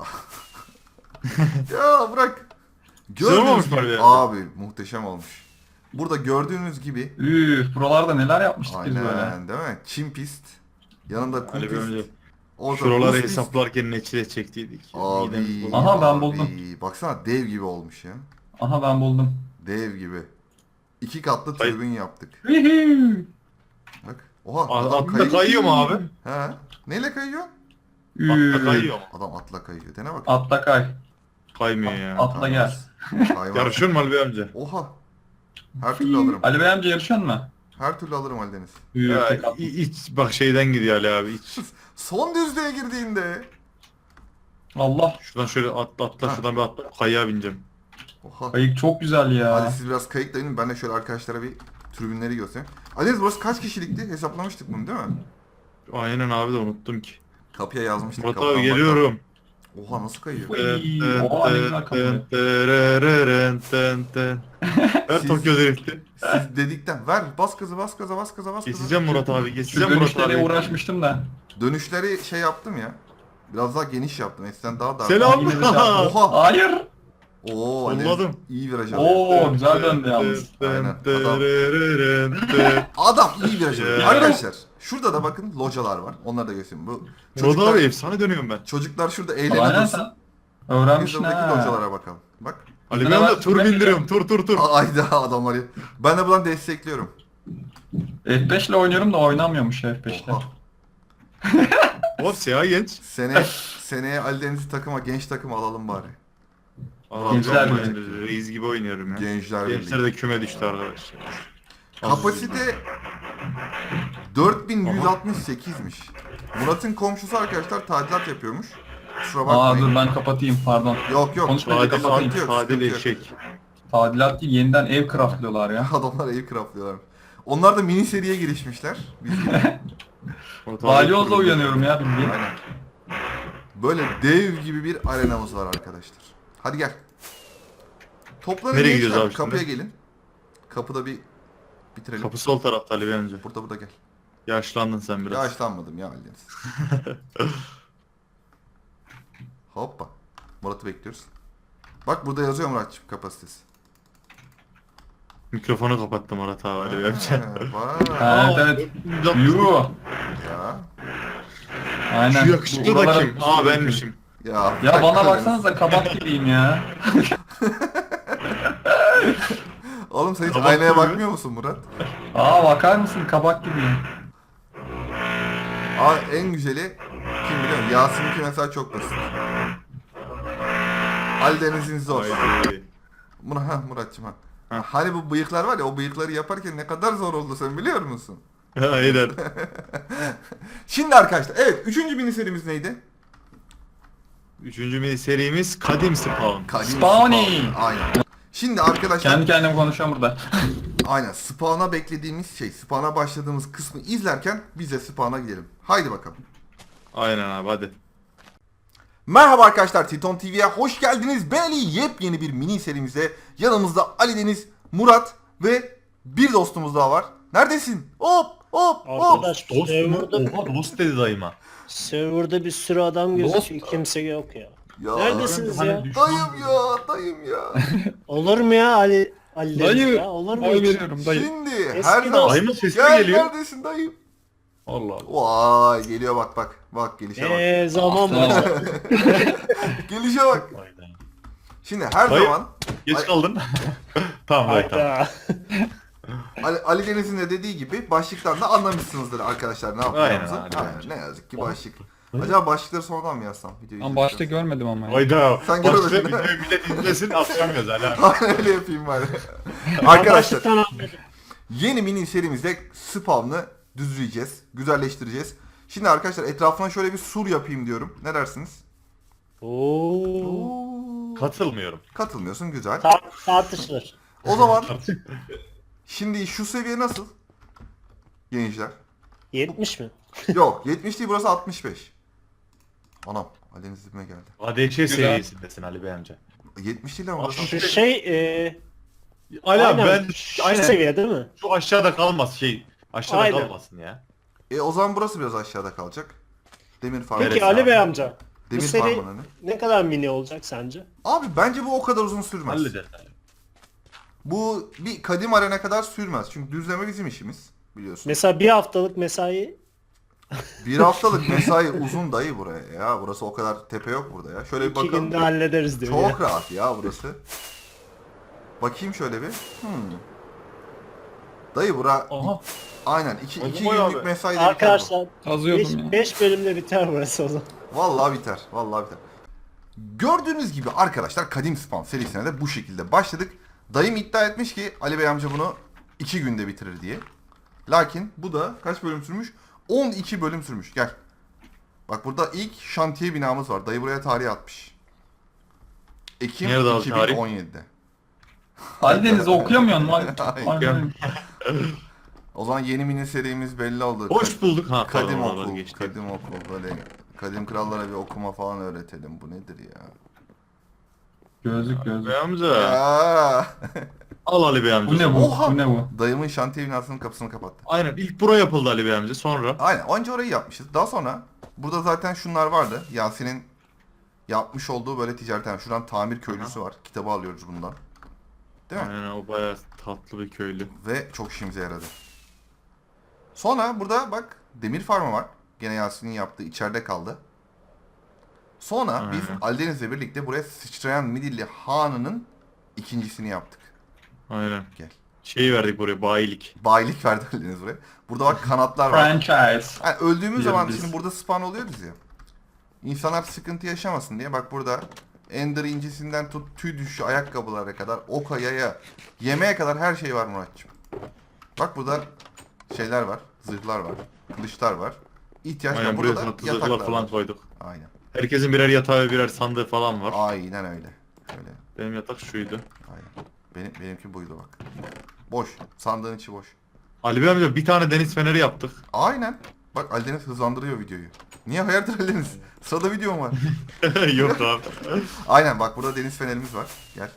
Speaker 1: Ya bırak.
Speaker 6: Güzel olmamış
Speaker 1: Gördüğünüz
Speaker 6: mı
Speaker 1: gibi,
Speaker 6: abi?
Speaker 1: abi muhteşem olmuş. Burada gördüğünüz gibi
Speaker 2: Üf, buralarda neler yapmıştık biz böyle.
Speaker 1: aynen değil mi? Çim pist. Yanında kum
Speaker 6: Hani
Speaker 1: pist.
Speaker 6: böyle
Speaker 1: Orada
Speaker 6: şuraları
Speaker 1: buz pist.
Speaker 6: hesaplarken ne çile çektiydik.
Speaker 1: Abi.
Speaker 6: Midemiz bozuldu.
Speaker 2: Aha, ben
Speaker 1: abi.
Speaker 2: buldum.
Speaker 1: Baksana dev gibi olmuş ya.
Speaker 2: Aha ben buldum.
Speaker 1: Dev gibi. İki katlı
Speaker 6: Ay-
Speaker 1: tribün yaptık.
Speaker 2: Hühü.
Speaker 1: Bak. Oha
Speaker 6: A-
Speaker 1: adam
Speaker 6: Atla
Speaker 1: kayıyor.
Speaker 6: kayıyor mu abi?
Speaker 1: He. Neyle kayıyor?
Speaker 6: Atla
Speaker 2: Üf.
Speaker 6: kayıyor mu?
Speaker 1: Adam atla kayıyor. Dene bak.
Speaker 2: Atla kay.
Speaker 6: Kaymıyor ya.
Speaker 2: Atla gel.
Speaker 1: Hayvan.
Speaker 6: Yarışıyor mu Ali Bey amca?
Speaker 1: Oha. Her türlü alırım.
Speaker 2: Ali Bey amca yarışan mı?
Speaker 1: Her türlü alırım Ali Deniz.
Speaker 2: Üf,
Speaker 6: Ya,
Speaker 2: tek at-
Speaker 6: i- iç, bak şeyden gidiyor Ali abi, iç.
Speaker 1: Son düzlüğe girdiğinde.
Speaker 2: Allah.
Speaker 6: Şuradan şöyle atla atla,
Speaker 1: Ha.
Speaker 6: şuradan bir atla. Kayığa bineceğim.
Speaker 1: Oha.
Speaker 2: Kayık çok güzel ya.
Speaker 1: Hadi siz biraz kayıkla inin. Ben de şöyle arkadaşlara bir tribünleri göstereyim. Ali Deniz burası kaç kişilikti? Hesaplamıştık bunu değil mi?
Speaker 6: Aynen abi, de unuttum ki.
Speaker 1: Kapıya yazmıştık.
Speaker 6: Murat
Speaker 1: kapıdan
Speaker 6: abi
Speaker 1: bakalım.
Speaker 6: geliyorum.
Speaker 1: Oha nasıl kayıyor?
Speaker 2: Uy, oha ne güzel kapı.
Speaker 6: Ver
Speaker 1: Siz-
Speaker 6: Tokyo Drift'i.
Speaker 1: Siz dedikten ver bas gaza bas gaza bas gaza bas gaza.
Speaker 6: Geçeceğim Murat abi,
Speaker 2: Şu
Speaker 6: geçeceğim Murat
Speaker 2: dönüşlere
Speaker 6: abi.
Speaker 2: uğraşmıştım da.
Speaker 1: Dönüşleri şey yaptım ya. Biraz daha geniş yaptım. Eskiden daha dar.
Speaker 6: Selam.
Speaker 2: Yine de şey yaptım.
Speaker 1: Oha.
Speaker 2: Hayır.
Speaker 1: Oo, Ali
Speaker 6: Solladım.
Speaker 1: iyi viraj alıyor.
Speaker 2: Oo güzel döndü yalnız.
Speaker 1: Aynen,
Speaker 6: Adam.
Speaker 1: Adam iyi viraj alıyor.
Speaker 6: Ya.
Speaker 1: Arkadaşlar şurada da bakın localar var. Onları da göstereyim. Bu
Speaker 6: Murat
Speaker 1: çocuklar,
Speaker 6: abi efsane dönüyorum ben.
Speaker 1: çocuklar şurada eğlene
Speaker 2: Aynen
Speaker 1: dursun.
Speaker 2: sen.
Speaker 1: Biz
Speaker 2: Öğrenmişsin
Speaker 1: de buradaki
Speaker 2: ha.
Speaker 1: localara bakalım. Bak.
Speaker 6: Ali
Speaker 2: Bizde
Speaker 6: Bey
Speaker 2: de
Speaker 6: amca
Speaker 2: var,
Speaker 6: tur
Speaker 2: ben de-
Speaker 6: bindiriyorum, tur tur tur.
Speaker 1: Ayda adamları. Ben de buradan destekliyorum.
Speaker 2: F beş ile oynuyorum da oynamıyormuş F beş'te.
Speaker 1: Oha.
Speaker 6: Hop siyah genç.
Speaker 1: Sene, seneye Ali Deniz'i takıma, genç takıma alalım bari.
Speaker 2: Gençler
Speaker 6: Gençler
Speaker 2: Birliği.
Speaker 6: reis gibi oynuyorum ya.
Speaker 1: Gençler
Speaker 6: Gençler
Speaker 1: Birliği.
Speaker 6: de küme düştü arkadaşlar.
Speaker 1: Kapasite dört bin yüz altmış sekizmiş. Murat'ın komşusu arkadaşlar tadilat yapıyormuş. Kusura
Speaker 2: Aa
Speaker 1: bakmayın.
Speaker 2: dur ben kapatayım pardon.
Speaker 1: Yok yok.
Speaker 2: Konuşma.
Speaker 6: Adil,
Speaker 1: Sıkıntı yok,
Speaker 6: adil, adil
Speaker 1: sıkıntı yok.
Speaker 6: eşek.
Speaker 2: Tadilat değil yeniden ev craftlıyorlar ya.
Speaker 1: Adamlar ev craftlıyorlar. Onlar da mini seriye girişmişler. Biz
Speaker 2: Balyozla uyanıyorum ya bildiğin.
Speaker 1: Aynen. Böyle dev gibi bir arenamız var arkadaşlar. Hadi gel. Toplanın
Speaker 6: Nereye
Speaker 1: gençler,
Speaker 6: gidiyoruz abi
Speaker 1: kapıya
Speaker 6: şimdi?
Speaker 1: gelin. Kapıda bir bitirelim.
Speaker 6: Kapı sol tarafta Ali Bey amca.
Speaker 1: Burada burada gel.
Speaker 6: Yaşlandın sen biraz.
Speaker 1: Yaşlanmadım ya Aldeniz. Hoppa. Murat'ı bekliyoruz. Bak burada yazıyor Murat'cığım kapasitesi.
Speaker 6: Mikrofonu kapattım Murat abi Ali Bey amca.
Speaker 1: Ha, vay.
Speaker 2: Evet evet. Yuh.
Speaker 1: Ya.
Speaker 2: Aynen.
Speaker 6: Şu yakışıklı da
Speaker 2: Buralara-
Speaker 6: kim? Aa benmişim.
Speaker 1: Ya,
Speaker 2: Ya bana baksanıza kabak gibiyim ya.
Speaker 1: Oğlum sen hiç
Speaker 6: Kabak
Speaker 1: aynaya
Speaker 6: gibi.
Speaker 1: bakmıyor musun Murat?
Speaker 2: Aa bakar mısın kabak gibiyim.
Speaker 1: Aa en güzeli kim biliyor musun? Yasin'inki mesela çok basit. Ali Deniz'in zor.
Speaker 6: Haydi.
Speaker 1: Murat, ha, Murat'cığım ha.
Speaker 6: Ha.
Speaker 1: Hani bu bıyıklar var ya, o bıyıkları yaparken ne kadar zor oldu sen biliyor musun?
Speaker 6: Aynen.
Speaker 1: Şimdi arkadaşlar evet üçüncü mini serimiz neydi?
Speaker 6: Üçüncü mini serimiz Kadim Spawn.
Speaker 1: Kadim
Speaker 2: Spawny.
Speaker 1: Spawn. Aynen. Şimdi arkadaşlar
Speaker 2: Kendi kendime konuşuyorum burada.
Speaker 1: aynen spawn'a beklediğimiz şey, spawn'a başladığımız kısmı izlerken biz de spawn'a gidelim. Haydi bakalım.
Speaker 6: Aynen abi hadi.
Speaker 1: Merhaba arkadaşlar, Titon T V'ye hoş geldiniz. Ben Ali, yepyeni bir mini serimizde yanımızda Ali Deniz, Murat ve bir dostumuz daha var. Neredesin? Hop hop hop.
Speaker 3: Arkadaş serverda,
Speaker 6: Oha dost dedi dayıma.
Speaker 3: serverda bir sürü adam gözüküyor. Kimse yok ya.
Speaker 1: Ya,
Speaker 3: Neredesiniz
Speaker 6: hani
Speaker 3: ya?
Speaker 1: Dayım ya, dayım ya.
Speaker 3: Olur mu ya Ali Ali Deniz
Speaker 5: Dayı.
Speaker 3: ya? Olur mu
Speaker 5: Oy
Speaker 3: hiç?
Speaker 5: veriyorum dayı.
Speaker 1: Şimdi
Speaker 3: Eski
Speaker 1: her zaman...
Speaker 6: Dayımın sesi
Speaker 1: Gel,
Speaker 6: geliyor.
Speaker 1: neredesin dayım?
Speaker 6: Allah Allah.
Speaker 1: Vay geliyor bak bak. Bak gelişe bak.
Speaker 3: Eee zaman başladı.
Speaker 1: Gelişe bak. Şimdi her
Speaker 6: Dayı.
Speaker 1: zaman
Speaker 6: Geç
Speaker 1: Ay-
Speaker 6: kaldın. tamam dayı tamam.
Speaker 3: Hayda.
Speaker 1: Ali, Ali Deniz'in de dediği gibi başlıktan da anlamışsınızdır arkadaşlar ne yapacağımızı.
Speaker 6: Aynen, aynen.
Speaker 1: Aynen, ne yazık ki başlık. Acaba başlıkları sonradan mı yazsam? Videoyu
Speaker 5: Ben başta
Speaker 1: izledikten
Speaker 5: görmedim ama ya.
Speaker 6: Hayda.
Speaker 1: Sen
Speaker 6: Başka
Speaker 1: görmedin,
Speaker 6: videoyu
Speaker 1: değil mi?
Speaker 6: millet izlesin atlamıyoruz Ali abi.
Speaker 1: sonra? Aynen öyle yapayım bari. Arkadaşlar
Speaker 3: Başlıktan anladım.
Speaker 1: yeni mini serimizde spawn'ı düzleyeceğiz, güzelleştireceğiz. Şimdi arkadaşlar etrafına şöyle bir sur yapayım diyorum. Ne dersiniz?
Speaker 3: Oo.
Speaker 1: Oo.
Speaker 6: Katılmıyorum.
Speaker 1: Katılmıyorsun, güzel.
Speaker 3: Ta tartışılır.
Speaker 1: O zaman şimdi şu seviye nasıl? Gençler.
Speaker 3: yetmiş mi?
Speaker 1: Yok yetmiş değil, burası altmış beş. Anam Ali'nin dibime geldi.
Speaker 6: A D Ç seviyesindesin Ali Bey amca.
Speaker 1: yetmiş değil ama.
Speaker 6: Altmış
Speaker 3: Şu
Speaker 6: beş.
Speaker 3: şey eee
Speaker 6: Ali abi
Speaker 3: aynen,
Speaker 6: ben
Speaker 3: şu
Speaker 6: aynen
Speaker 3: seviye değil mi?
Speaker 6: şu aşağıda kalmaz şey. Aşağıda
Speaker 3: Aynen.
Speaker 6: kalmasın ya.
Speaker 1: E o zaman burası biraz aşağıda kalacak. Demir farmı.
Speaker 3: Peki
Speaker 6: Neresi
Speaker 3: Ali
Speaker 6: abi?
Speaker 3: Bey amca. Bu
Speaker 1: Demir
Speaker 3: seri
Speaker 1: farmının önü.
Speaker 3: ne kadar mini olacak sence?
Speaker 1: Abi bence bu o kadar uzun sürmez.
Speaker 6: Hallederiz.
Speaker 1: Bu bir kadim arena kadar sürmez. Çünkü düzleme bizim işimiz biliyorsun.
Speaker 3: Mesela bir haftalık mesai
Speaker 1: Bir haftalık mesai uzun dayı buraya ya. Burası o kadar tepe yok burada ya. Şöyle bir
Speaker 3: iki
Speaker 1: bakalım.
Speaker 3: günde hallederiz diyor
Speaker 1: Çok
Speaker 3: ya.
Speaker 1: rahat ya burası. Bakayım şöyle bir. Hmm. Dayı bura
Speaker 6: Aha.
Speaker 1: aynen iki,
Speaker 6: Oldu
Speaker 1: iki
Speaker 6: mu
Speaker 1: günlük
Speaker 6: abi?
Speaker 1: mesai.
Speaker 3: Arkadaşlar
Speaker 5: Kazıyordum ya.
Speaker 3: beş bölümde biter burası o zaman.
Speaker 1: Vallahi biter. Vallahi biter. Gördüğünüz gibi arkadaşlar Kadim Spawn serisine de bu şekilde başladık. Dayım iddia etmiş ki Ali Bey amca bunu iki günde bitirir diye. Lakin bu da kaç bölüm sürmüş? on iki bölüm sürmüş. Gel. Bak burada ilk şantiye binamız var. Dayı buraya tarih atmış. Ekim
Speaker 6: Nerede abi tarih?
Speaker 1: iki bin on yedide.
Speaker 2: Ali Deniz'i okuyamıyorsun lan.
Speaker 1: Aynen.
Speaker 2: Aynen.
Speaker 1: O zaman yeni mini serimiz belli oldu.
Speaker 6: Hoş bulduk ha.
Speaker 1: Kadim
Speaker 6: pardon,
Speaker 1: okul,
Speaker 6: geçti.
Speaker 1: kadim okul böyle kadim krallara bir okuma falan öğretelim. Bu nedir ya?
Speaker 2: Gözlük gözlük.
Speaker 6: Bey amca.
Speaker 1: Ya.
Speaker 6: Al Ali Bey amca.
Speaker 2: Bu ne bu?
Speaker 1: Oha!
Speaker 2: Bu ne bu?
Speaker 1: Dayımın şantiye binasının kapısını kapattı.
Speaker 6: Aynen ilk bura yapıldı Ali Bey amca sonra.
Speaker 1: Aynen önce orayı yapmışız. Daha sonra burada zaten şunlar vardı. Yasin'in yapmış olduğu böyle ticaret. Şuradan tamir köylüsü var. Kitabı alıyoruz bundan. Değil mi?
Speaker 6: Aynen o bayağı tatlı bir köylü.
Speaker 1: Ve çok işimize yaradı. Sonra burada bak demir farmı var. Gene Yasin'in yaptığı içeride kaldı. Sonra biz
Speaker 6: Aynen.
Speaker 1: Aldeniz'le birlikte buraya sıçrayan Midilli Hanı'nın ikincisini yaptık.
Speaker 6: Aynen.
Speaker 1: Gel.
Speaker 6: Şeyi verdik buraya bayilik.
Speaker 1: Bayilik verdi Aldeniz buraya. Burada bak kanatlar var.
Speaker 2: Franchise.
Speaker 1: Yani öldüğümüz zaman
Speaker 6: Biz-
Speaker 1: şimdi burada spawn oluyoruz ya. İnsanlar sıkıntı yaşamasın diye bak burada Ender incisinden tut tüy düşü ayakkabılara kadar oka yaya yemeğe kadar her şey var Muratçım. Bak burada şeyler var, zırhlar var, kılıçlar var. İhtiyaç var.
Speaker 6: Aynen
Speaker 1: Burada
Speaker 6: buraya
Speaker 1: da
Speaker 6: sana
Speaker 1: yataklar
Speaker 6: tuzaklar falan
Speaker 1: var.
Speaker 6: koyduk.
Speaker 1: Aynen.
Speaker 6: Herkesin birer yatağı ve birer sandığı falan var.
Speaker 1: Aynen öyle. Öyle.
Speaker 6: Benim yatak şuydu.
Speaker 1: Aynen. Benim benimki buydu bak. Boş. Sandığın içi boş.
Speaker 6: Ali Bey amca bir tane deniz feneri yaptık.
Speaker 1: Aynen. Bak Aldeniz hızlandırıyor videoyu. Niye hayırdır Aldeniz? Sırada videom var.
Speaker 6: Yok abi.
Speaker 1: Aynen bak burada deniz fenerimiz var. Gel.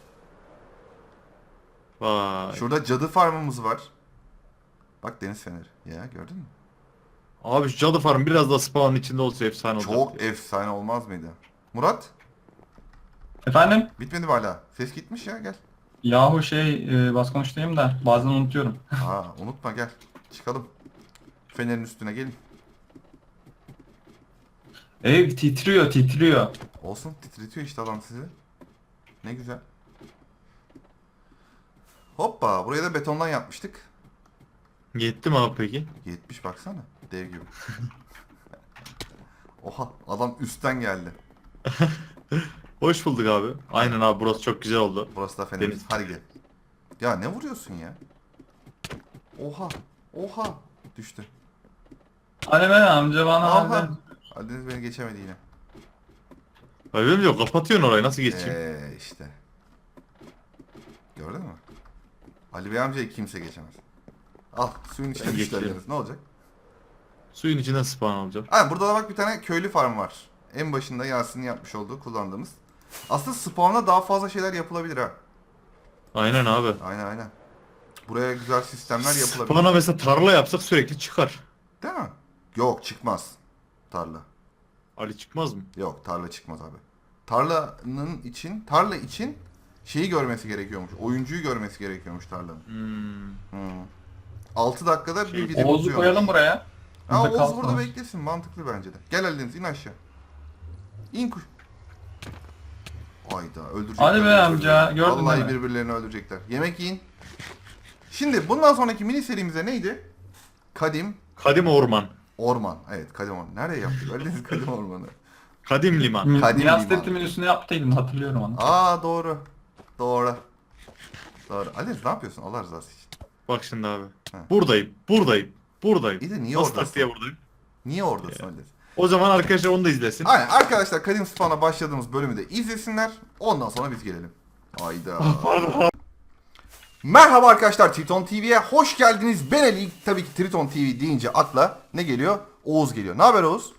Speaker 6: Vay.
Speaker 1: Şurada cadı farmımız var. Bak deniz feneri. Ya gördün mü?
Speaker 6: Abi şu cadı farm biraz da spawn'ın içinde olsa efsane olacak.
Speaker 1: Çok efsane olmaz mıydı? Murat
Speaker 2: Efendim?
Speaker 1: bitmedi mi hala? Ses gitmiş ya gel.
Speaker 2: Yahu şey e, bas konuştayım da bazen unutuyorum.
Speaker 1: Aa unutma gel. Çıkalım. Fenerin üstüne gelin.
Speaker 2: Ev titriyor titriyor.
Speaker 1: Olsun titretiyor işte adam sizi. Ne güzel. Hoppa buraya da betondan yapmıştık.
Speaker 6: Yetti mi abi peki?
Speaker 1: yetmiş baksana. Dev gibi. Oha adam üstten geldi.
Speaker 6: Hoş bulduk abi. Aynen abi burası çok güzel oldu.
Speaker 1: Burası da fenerimiz.
Speaker 6: Deniz.
Speaker 1: Hadi gel. Ya ne vuruyorsun ya? Oha. Oha. Düştü.
Speaker 2: Hani ben amca bana
Speaker 1: Aha.
Speaker 2: hadi.
Speaker 1: Aldeniz beni geçemedi yine.
Speaker 6: Ali Bey amca kapatıyorsun orayı nasıl geçeyim?
Speaker 1: Eee işte. Gördün mü? Ali Bey amcayı kimse geçemez. Al suyun içine
Speaker 6: Ben
Speaker 1: düştü
Speaker 6: geçerim.
Speaker 1: Aldeniz. Ne olacak?
Speaker 6: Suyun içinden spawn olacak.
Speaker 1: Ha burada da bak bir tane köylü farm var. En başında Yasin'in yapmış olduğu kullandığımız. Aslında spawn'da daha fazla şeyler yapılabilir ha.
Speaker 6: Aynen abi.
Speaker 1: Aynen aynen. Buraya güzel sistemler yapılabilir.
Speaker 6: Spawn'a mesela tarla yapsak sürekli çıkar.
Speaker 1: Değil mi? Yok çıkmaz. Tarla.
Speaker 6: Ali çıkmaz mı?
Speaker 1: Yok tarla çıkmaz abi. Tarlanın için, tarla için şeyi görmesi gerekiyormuş. Oyuncuyu görmesi gerekiyormuş tarlanın.
Speaker 6: Hmm.
Speaker 1: Hmm. altı dakikada
Speaker 6: Şey,
Speaker 1: bir video
Speaker 2: Oğuz'u
Speaker 1: bozuyormuş.
Speaker 2: koyalım buraya.
Speaker 1: Ha,
Speaker 2: Burada
Speaker 1: Oğuz
Speaker 2: kalsın
Speaker 1: burada
Speaker 2: o.
Speaker 1: beklesin. Mantıklı bence de. Gel Aldeniz in aşağı. İn kuş. Ayda öldürecekler.
Speaker 2: Hadi be
Speaker 1: birbirlerini.
Speaker 2: amca, gördün
Speaker 1: Vallahi
Speaker 2: değil mi?
Speaker 1: birbirlerini öldürecekler. Yemek yiyin. Şimdi bundan sonraki mini serimize neydi? Kadim
Speaker 6: Kadim orman.
Speaker 1: Orman. Evet Kadim Orman. Nereye yaptık? Aldeniz Kadim Ormanı.
Speaker 6: Kadim liman.
Speaker 2: Mi-
Speaker 1: Kadim
Speaker 2: Milas
Speaker 1: liman.
Speaker 2: Tetrim'in üstüne yaptıydım hatırlıyorum onu.
Speaker 1: Aa doğru. Doğru. Doğru. Aldeniz ne yapıyorsun Allah rızası için?
Speaker 6: Bak şimdi abi.
Speaker 1: Ha.
Speaker 6: Buradayım. Buradayım. Buradayım.
Speaker 1: İyi de niye
Speaker 6: Nasıl
Speaker 1: oradasın?
Speaker 6: taktiğe buradayım?
Speaker 1: Niye oradasın Aldeniz?
Speaker 6: O zaman arkadaşlar onu da izlesin.
Speaker 1: Aynen arkadaşlar Kadim Spawn'a başladığımız bölümü de izlesinler. Ondan sonra biz gelelim. Ayda. Merhaba arkadaşlar Triton T V'ye hoş geldiniz. Ben Ali. Tabii ki Triton T V deyince akla ne geliyor? Oğuz geliyor. Ne haber Oğuz?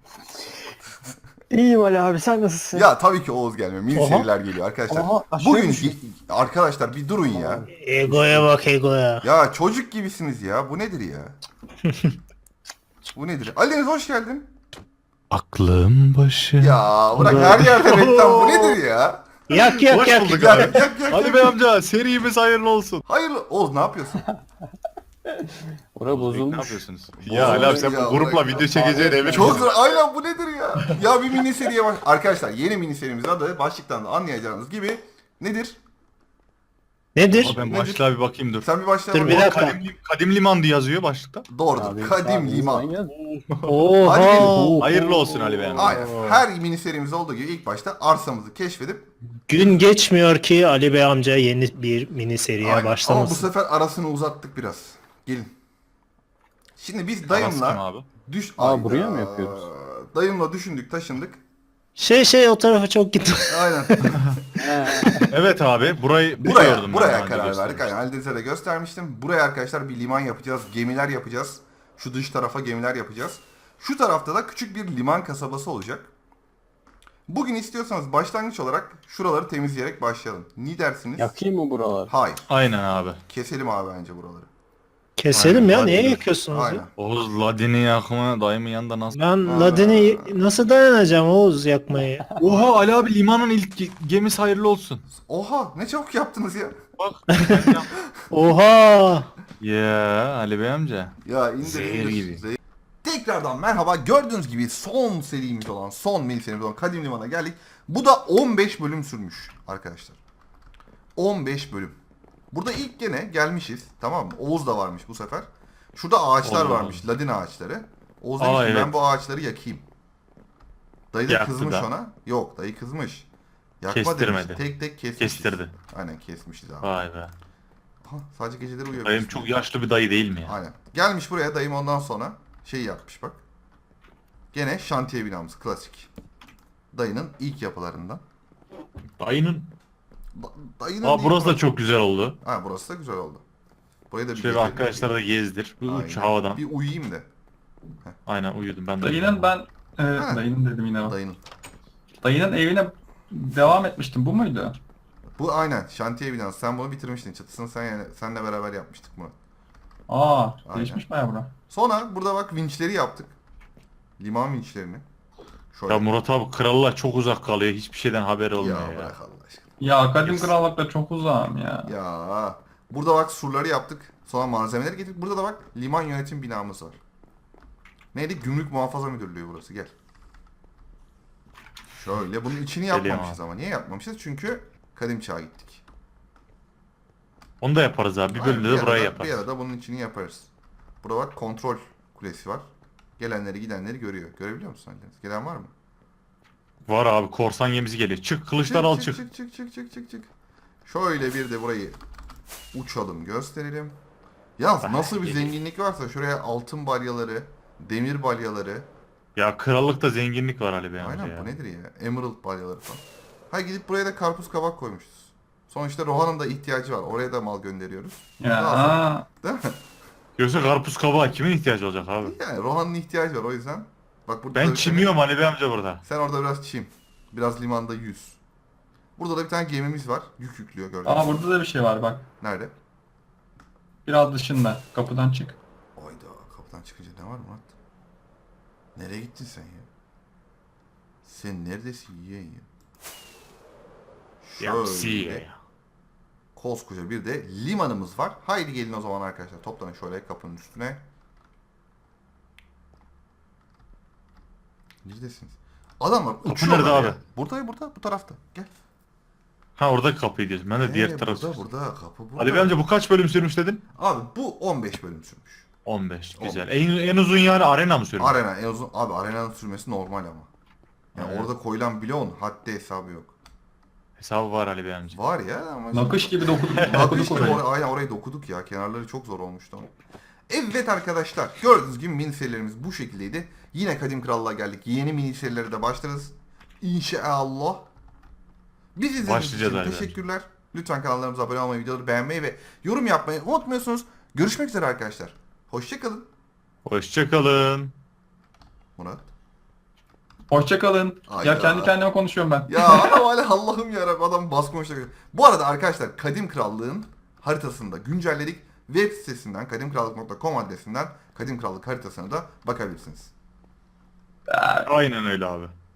Speaker 7: İyiyim Ali abi sen nasılsın?
Speaker 1: Ya tabii ki Oğuz gelmiyor. Mini
Speaker 7: Oha.
Speaker 1: seriler geliyor arkadaşlar.
Speaker 7: Oha, aşağı
Speaker 1: Bugün
Speaker 7: düştüm.
Speaker 1: arkadaşlar bir durun ya.
Speaker 3: Egoya bak egoya.
Speaker 1: Ya çocuk gibisiniz ya. Bu nedir ya? Bu nedir? Ali Deniz hoş geldin.
Speaker 4: Aklım başı.
Speaker 1: Ya bırak her yerde reklam. Bu nedir ya?
Speaker 3: Yak yak
Speaker 6: Hoş
Speaker 3: yak.
Speaker 6: bulduk
Speaker 1: Yak,
Speaker 6: abi.
Speaker 1: yak, yak,
Speaker 6: Ali
Speaker 1: yak.
Speaker 6: Bey amca serimiz hayırlı olsun.
Speaker 1: Hayırlı. Oğuz ne yapıyorsun?
Speaker 7: Ora
Speaker 6: Ne
Speaker 7: bozulmuş.
Speaker 6: yapıyorsunuz? Ya Ali abi sen
Speaker 1: Ya,
Speaker 6: bu grupla
Speaker 1: bırak.
Speaker 6: video çekeceğin emin
Speaker 1: Çok
Speaker 6: misin?
Speaker 1: zor. Aynen bu nedir ya? Ya bir mini seriye baş... Arkadaşlar yeni mini serimizin adı başlıktan da anlayacağınız gibi nedir?
Speaker 3: Nedir?
Speaker 6: Ama ben başlığa bir bakayım dur.
Speaker 1: Sen bir başla.
Speaker 3: Dur,
Speaker 1: bakalım.
Speaker 3: bir dakika.
Speaker 6: Kadim, Kadim liman diye yazıyor başlıkta.
Speaker 1: Doğrudur.
Speaker 7: Abi,
Speaker 1: Kadim
Speaker 7: abi,
Speaker 1: liman.
Speaker 7: manyak.
Speaker 3: Oha.
Speaker 1: Hadi gelin.
Speaker 6: Hayırlı olsun Ali Bey amca.
Speaker 1: Aynen. Her mini serimizde olduğu gibi ilk başta arsamızı keşfedip
Speaker 3: Gün geçmiyor ki Ali Bey amca yeni bir mini seriye
Speaker 1: Aynen. Ama bu
Speaker 3: başlamasın.
Speaker 1: sefer arasını uzattık biraz. Gelin. Şimdi biz
Speaker 6: Arası kim
Speaker 1: dayımla
Speaker 6: abi?
Speaker 1: düş...
Speaker 7: Aa,
Speaker 1: Ayda.
Speaker 7: buraya mı yapıyoruz?
Speaker 1: Dayımla düşündük, taşındık.
Speaker 3: Şey şey o tarafa çok gitme.
Speaker 1: Aynen.
Speaker 6: Evet abi burayı
Speaker 1: buraya
Speaker 6: biliyordum ben
Speaker 1: buraya
Speaker 6: daha önce
Speaker 1: karar verdik.
Speaker 6: göstermiştim.
Speaker 1: Aynen Halidez'e de göstermiştim. Buraya arkadaşlar bir liman yapacağız. Gemiler yapacağız. Şu dış tarafa gemiler yapacağız. Şu tarafta da küçük bir liman kasabası olacak. Bugün istiyorsanız başlangıç olarak şuraları temizleyerek başlayalım. Ne dersiniz?
Speaker 7: Yakayım mı buralar?
Speaker 1: Hayır.
Speaker 6: Aynen abi.
Speaker 1: Keselim abi bence buraları.
Speaker 3: Keselim
Speaker 6: Aynen,
Speaker 3: ya
Speaker 6: hadi
Speaker 3: niye
Speaker 6: gidelim.
Speaker 3: yakıyorsunuz
Speaker 1: Aynen.
Speaker 3: ya?
Speaker 6: Oğuz Ladin'i yakma dayımın yanında nasıl?
Speaker 3: Ben Ladin'i nasıl dayanacağım Oğuz yakmayı?
Speaker 6: Oha Ali abi limanın ilk ge- gemisi hayırlı olsun.
Speaker 1: Oha ne çabuk yaptınız ya.
Speaker 6: Bak.
Speaker 3: Oha.
Speaker 6: Ya Ali Bey amca.
Speaker 1: Ya indir
Speaker 6: Zehir
Speaker 1: indir.
Speaker 6: gibi.
Speaker 1: Zehir. Tekrardan merhaba. Gördüğünüz gibi son serimiz olan, son mini serimiz olan Kadim Liman'a geldik. Bu da on beş bölüm sürmüş arkadaşlar. on beş bölüm. Burada ilk gene gelmişiz. Tamam mı? Oğuz da varmış bu sefer. Şurada ağaçlar
Speaker 6: Allah
Speaker 1: varmış. Ladin ağaçları. Oğuz
Speaker 6: Aa,
Speaker 1: demiş ki
Speaker 6: evet.
Speaker 1: ben bu ağaçları yakayım. Dayı da
Speaker 6: Yaktı
Speaker 1: kızmış
Speaker 6: da.
Speaker 1: ona. Yok dayı kızmış. Yakma
Speaker 6: Kestirmedi.
Speaker 1: demiş. Tek tek kesmişiz.
Speaker 6: Kestirdi.
Speaker 1: Aynen kesmişiz abi.
Speaker 6: Vay be.
Speaker 1: Aha, sadece geceleri uyuyor.
Speaker 6: Dayım çok yaşlı bir dayı değil mi ya?
Speaker 1: Aynen. Gelmiş buraya dayım ondan sonra şey yapmış bak. Gene şantiye binamız klasik. Dayının ilk yapılarından.
Speaker 6: Dayının.
Speaker 1: Da- dayının
Speaker 6: Aa
Speaker 1: ilk
Speaker 6: burası da
Speaker 1: yapı-
Speaker 6: çok güzel oldu.
Speaker 1: Ha burası da güzel oldu. Burayı da bir
Speaker 8: Şöyle bir
Speaker 1: gezelim.
Speaker 8: arkadaşlar da gezdir. Bir uç
Speaker 1: Aynen.
Speaker 8: havadan.
Speaker 1: Bir uyuyayım da.
Speaker 8: Aynen uyudum ben de.
Speaker 2: Dayının ben... Evet
Speaker 1: Ha.
Speaker 2: dayının dedim yine o.
Speaker 1: Dayının.
Speaker 2: Dayının evine devam etmiştim. Bu muydu?
Speaker 1: Bu aynen şantiye binası. Sen bunu bitirmiştin. Çatısını sen yani senle beraber yapmıştık Murat.
Speaker 2: Aa,
Speaker 1: Aynen.
Speaker 2: değişmiş baya bura.
Speaker 1: Sonra burada bak vinçleri yaptık. Liman vinçlerini. Şöyle.
Speaker 8: Ya Murat abi krallar çok uzak kalıyor. Hiçbir şeyden haberi olmuyor
Speaker 1: ya
Speaker 8: ya.
Speaker 1: bırak Allah aşkına.
Speaker 2: Ya kadim
Speaker 8: Yes.
Speaker 2: krallıkta çok uzağım ya.
Speaker 1: Ya burada bak surları yaptık. Sonra malzemeleri getirdik. Burada da bak liman yönetim binamız var. Neydi? Gümrük Muhafaza Müdürlüğü burası. Gel. Şöyle bunun içini
Speaker 8: Geliyorum
Speaker 1: yapmamışız ama. Niye yapmamışız? Çünkü kadim çağa gittik.
Speaker 8: Onu da yaparız abi. Bir
Speaker 1: Aynen,
Speaker 8: bölümde de burayı
Speaker 1: arada-
Speaker 8: yaparız.
Speaker 1: Bir arada bunun içini yaparız. Burada bak kontrol kulesi var. Gelenleri gidenleri görüyor. Görebiliyor musun Halil'iniz? Gelen var mı?
Speaker 8: Var abi korsan gemisi geliyor. Çık kılıçlar al çık.
Speaker 1: Çık çık çık çık çık çık. Şöyle bir de burayı uçalım gösterelim. Yalnız
Speaker 8: Ah,
Speaker 1: nasıl bir
Speaker 8: geliyor.
Speaker 1: zenginlik varsa şuraya altın balyaları, demir balyaları.
Speaker 8: Ya krallıkta zenginlik var Ali Bey amca
Speaker 1: Aynen
Speaker 8: ya.
Speaker 1: bu nedir ya? Emerald balyaları falan. Ha gidip buraya da karpuz kabak koymuşuz. Sonuçta Rohan'ın da ihtiyacı var. Oraya da mal gönderiyoruz.
Speaker 2: Ya
Speaker 1: Lazım.
Speaker 2: aa,
Speaker 1: Değil mi?
Speaker 8: Yoksa karpuz kabağı kimin ihtiyacı olacak abi?
Speaker 1: Yani Rohan'ın ihtiyacı var o yüzden. Bak burada da
Speaker 8: Ben
Speaker 1: bir
Speaker 8: çimiyorum Ali Bey amca burada.
Speaker 1: tane- Sen orada biraz çim. Biraz limanda yüz. Burada da bir tane gemimiz var. Yük yüklüyor gördüğünüz
Speaker 2: aa
Speaker 1: gibi.
Speaker 2: burada da bir şey var bak.
Speaker 1: Nerede?
Speaker 2: Biraz dışında. Kapıdan çık.
Speaker 1: Oyda kapıdan çıkınca ne var Murat? Nereye gittin sen ya? Sen neredesin yeğen ya?
Speaker 8: Ya si
Speaker 1: Şöyle
Speaker 8: ya.
Speaker 1: koskoca bir de limanımız var. Haydi gelin o zaman arkadaşlar toplanın şöyle kapının üstüne. Neredesiniz? Adamlar uçuyorlar
Speaker 8: nerede
Speaker 1: ya.
Speaker 8: abi?
Speaker 1: Burada burada bu tarafta. Gel.
Speaker 8: Ha oradaki kapıyı diyorsun. Ben de
Speaker 1: Ee,
Speaker 8: diğer tarafı.
Speaker 1: Burada burada kapı burada.
Speaker 8: Ali Bey amca bu kaç bölüm sürmüş dedin?
Speaker 1: Abi bu on beş bölüm sürmüş.
Speaker 8: on beş. Güzel. En, en uzun yani arena mı sürmüş?
Speaker 1: Arena en uzun abi arenanın sürmesi normal ama. Yani
Speaker 8: Evet.
Speaker 1: orada koyulan bloğun haddi hesabı yok.
Speaker 8: Hesabı var Ali Bey amca.
Speaker 1: Var ya ama
Speaker 2: Nakış gibi dokuduk.
Speaker 1: Nakış
Speaker 2: dokuduk
Speaker 1: gibi
Speaker 2: orayı.
Speaker 1: or- aynen orayı dokuduk ya. Kenarları çok zor olmuştu ama. Evet arkadaşlar gördüğünüz gibi mini serilerimiz bu şekildeydi. Yine Kadim Krallığa geldik. Yeni mini serilere de başlarız. İnşallah. Biz izlediğiniz
Speaker 8: Başlayacağız
Speaker 1: için
Speaker 8: abi.
Speaker 1: teşekkürler. Lütfen kanallarımıza abone olmayı, videoları beğenmeyi ve yorum yapmayı unutmuyorsunuz. Görüşmek üzere arkadaşlar. Hoşçakalın.
Speaker 8: Hoşçakalın.
Speaker 1: Murat.
Speaker 2: Hoşçakalın.
Speaker 1: Hayda.
Speaker 2: Ya kendi kendime konuşuyorum ben.
Speaker 1: Ya adam hala Allah'ım yarabbim adam bas konuşacak. Bu arada arkadaşlar Kadim Krallığın haritasını da güncelledik. Web sitesinden kadimkrallık nokta com adresinden Kadim Krallık haritasına da bakabilirsiniz.
Speaker 8: Aynen öyle abi.